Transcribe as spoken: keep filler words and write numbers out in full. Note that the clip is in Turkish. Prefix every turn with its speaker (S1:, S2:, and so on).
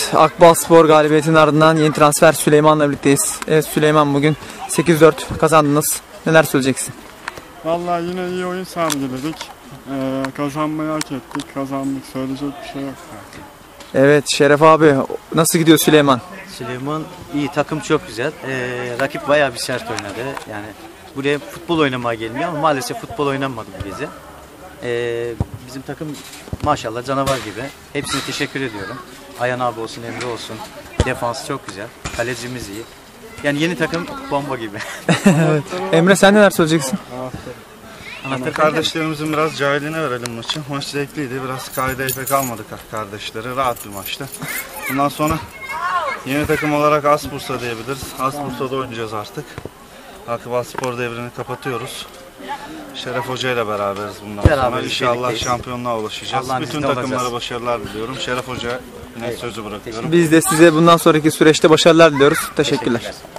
S1: Akbalspor galibiyetinin ardından yeni transfer Süleyman'la birlikteyiz. Evet Süleyman, bugün sekiz dört kazandınız. Neler söyleyeceksin?
S2: Vallahi yine iyi oyun sergiledik. Ee, kazanmayı hak ettik. Kazandık. Söyleyecek bir şey yok.
S1: Evet Şeref abi, nasıl gidiyor Süleyman?
S3: Süleyman iyi, takım çok güzel. Ee, rakip bayağı bir sert oynadı. Yani buraya futbol oynamaya gelmiyor ama maalesef futbol oynanmadı bu gece. Ee, bizim takım maşallah canavar gibi. Hepsine teşekkür ediyorum. Ayhan abi olsun, Emre olsun. Defans çok güzel. Kalecimiz iyi. Yani yeni takım bomba gibi.
S1: Evet. Emre, sen neler söyleyeceksin?
S4: Anahtar kardeşlerimizin biraz cahiline verelim maçı. Maç zevkliydi. Biraz kaideye pek almadık kardeşleri. Rahat bir maçtı. Bundan sonra yeni takım olarak Asbursa diyebiliriz. Asbursa'da oynayacağız artık. Akbalspor devrini kapatıyoruz. Şeref Hoca ile beraberiz bundan
S3: Beraberiz,
S4: sonra. İnşallah
S3: birlikteyiz.
S4: şampiyonluğa ulaşacağız.
S3: Allah'ın
S4: Bütün
S3: izniyle
S4: takımlara
S3: olacağız.
S4: başarılar diliyorum. Şeref Hoca'ya yine sözü bırakıyorum.
S1: Biz de size bundan sonraki süreçte başarılar diliyoruz. Teşekkürler.
S3: Teşekkürler.